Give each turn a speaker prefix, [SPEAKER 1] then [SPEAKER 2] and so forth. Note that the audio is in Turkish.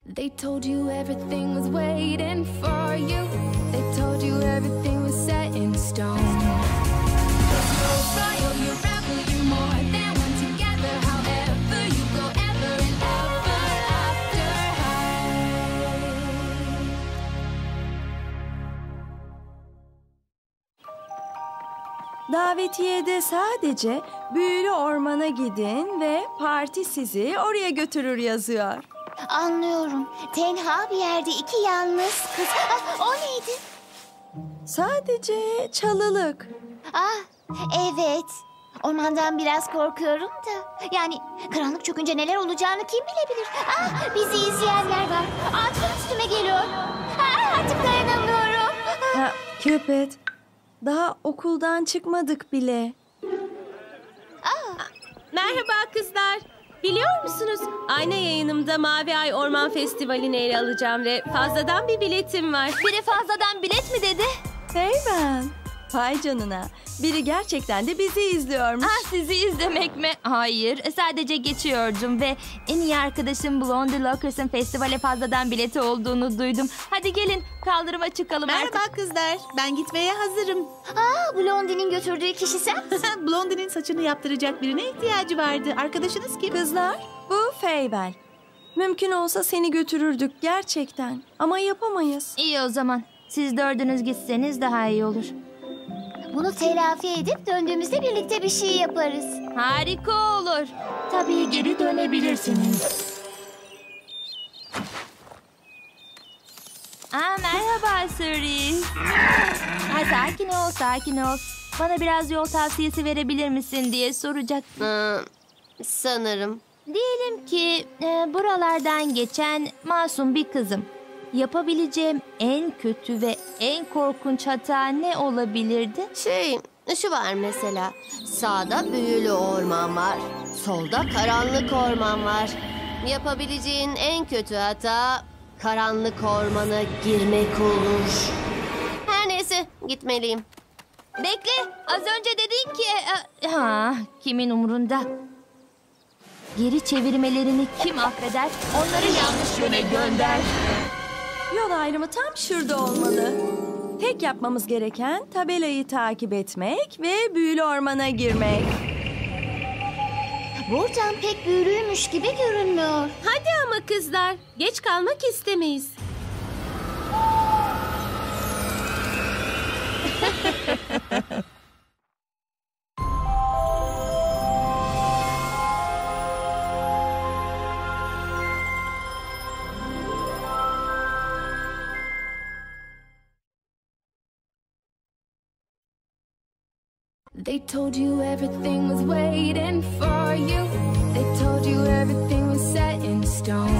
[SPEAKER 1] They told you everything was waiting for you. They told you everything was set in stone. You're royal, you're rebel, you're more than one together. However you go, ever and ever after high.
[SPEAKER 2] Davetiyede sadece büyülü ormana gidin ve parti sizi oraya götürür yazıyor.
[SPEAKER 3] Anlıyorum. Tenha bir yerde iki yalnız kız. Ah, o neydi?
[SPEAKER 2] Sadece çalılık.
[SPEAKER 3] Evet. Ormandan biraz korkuyorum da. Yani karanlık çökünce neler olacağını kim bilebilir? Bizi izleyenler var. Ağaçlar üstüme geliyor. Artık dayanamıyorum.
[SPEAKER 2] Cupid, daha okuldan çıkmadık bile.
[SPEAKER 4] Merhaba kızlar. Biliyor musunuz? Ayna yayınımda Mavi Ay Orman Festivali'ni ele alacağım ve fazladan bir biletim var.
[SPEAKER 3] Biri fazladan bilet mi dedi?
[SPEAKER 2] Hey ben. Vay canına. Biri gerçekten de bizi izliyormuş.
[SPEAKER 5] Sizi izlemek mi? Hayır, sadece geçiyordum ve en iyi arkadaşım Blondie Lockers'ın festivale fazladan bileti olduğunu duydum. Hadi gelin kaldırıma çıkalım artık.
[SPEAKER 6] Merhaba kızlar. Ben gitmeye hazırım.
[SPEAKER 3] Blondie'nin götürdüğü kişi sen misin?
[SPEAKER 6] Blondie'nin saçını yaptıracak birine ihtiyacı vardı. Arkadaşınız kim?
[SPEAKER 2] Kızlar, bu Feybel. Mümkün olsa seni götürürdük gerçekten. Ama yapamayız.
[SPEAKER 5] İyi o zaman. Siz dördünüz gitseniz daha iyi olur.
[SPEAKER 3] Bunu telafi edip döndüğümüzde birlikte bir şey yaparız.
[SPEAKER 5] Harika olur. Tabii geri dönebilirsiniz. Merhaba Cerise. Sakin ol, sakin ol. Bana biraz yol tavsiyesi verebilir misin diye soracak.
[SPEAKER 7] Sanırım.
[SPEAKER 5] Diyelim ki buralardan geçen masum bir kızım. Yapabileceğim en kötü ve en korkunç hata ne olabilirdi?
[SPEAKER 7] Şu var mesela. Sağda büyülü orman var. Solda karanlık orman var. Yapabileceğin en kötü hata karanlık ormana girmek olur. Her neyse gitmeliyim.
[SPEAKER 5] Bekle, az önce dedin ki... kimin umurunda? Geri çevirmelerini kim affeder? Onları yanlış yöne gönder.
[SPEAKER 2] Yol ayrımı tam şurada olmalı. Tek yapmamız gereken tabelayı takip etmek ve büyülü ormana girmek.
[SPEAKER 3] Buradan pek büyülüymüş gibi görünmüyor.
[SPEAKER 4] Hadi ama kızlar. Geç kalmak istemeyiz.
[SPEAKER 1] They told you everything was waiting for you. They told you everything was set in stone.